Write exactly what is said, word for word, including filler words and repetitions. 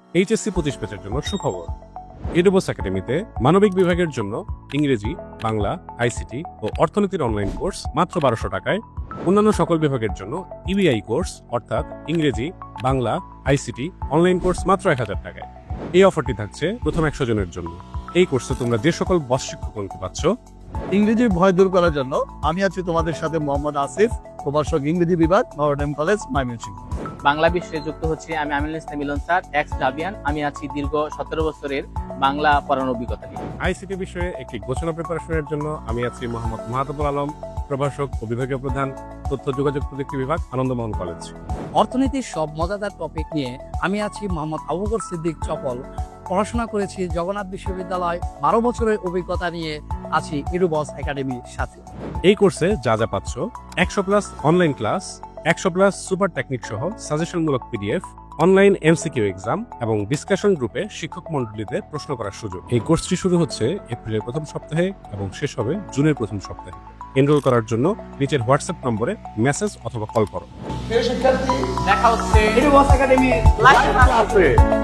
HSC পঁচিশ ব্যাচের জন্য সুখবর। ইডুবস একাডেমিতে মানবিক বিভাগের জন্য ইংরেজি, বাংলা, আইসিটি ও অর্থনীতির অনলাইন কোর্স মাত্র বারোশো টাকায়, অন্যান্য সকল বিভাগের জন্য ইবিআই কোর্স অর্থাৎ ইংরেজি, বাংলা, আইসিটি অনলাইন কোর্স মাত্র এক হাজার টাকায়। এই অফারটি থাকছে প্রথম একশো জনের জন্য। এই কোর্সে তোমরা যে সকল বস শিক্ষকগণকে পাচ্ছ, ইংরেজির ভয় দূর করার জন্য আমি আছি তোমাদের সাথে মোহাম্মদ আসিফ, প্রভাষক ইংরেজি বিভাগ, নটরডেম কলেজ, ময়মনসিংহ। বাংলা বিষয়ে যুক্ত হচ্ছে আমি Aminul Islam Milan sir, ex Xaverian. আমি আছি দীর্ঘ সতেরো বছরের বাংলা পড়ানোর অভিজ্ঞতা নিয়ে। আইসিটি বিষয়ে একটি ঘোষণা প্রিপারেশনের জন্য আমি আছি মোহাম্মদ মাহাতাবুল আলম, প্রভাষক ও বিভাগীয় প্রধান, তথ্য যোগাযোগ প্রযুক্তি বিভাগ, আনন্দমোহন কলেজ। অর্থনীতির সব মজাদার টপিক নিয়ে আমি আছি মোহাম্মদ আবু বকর সিদ্দিক চপল, পড়াশোনা করেছি জগন্নাথ বিশ্ববিদ্যালয়, বারো বছরের অভিজ্ঞতা নিয়ে আছি ইডুবস একাডেমির সাথে। এই কোর্সে যা যা পাচ্ছ: একশো প্লাস অনলাইন ক্লাস, একশো প্লাস সুপার টেকনিক সহ সাজেশনমূলক পিডিএফ, অনলাইন এমসিকিউ এক্সাম এবং ডিসকাশন গ্রুপে শিক্ষক মণ্ডলীতে প্রশ্ন করার সুযোগ। এই কোর্সটি শুরু হচ্ছে এপ্রিলের প্রথম সপ্তাহে এবং শেষ হবে জুনের প্রথম সপ্তাহে। এনরোল করার জন্য নিচের হোয়াটসঅ্যাপ নম্বরে মেসেজ অথবা কল করো। দেখা হচ্ছে ইডুবস একাডেমির লাইভ ক্লাসে।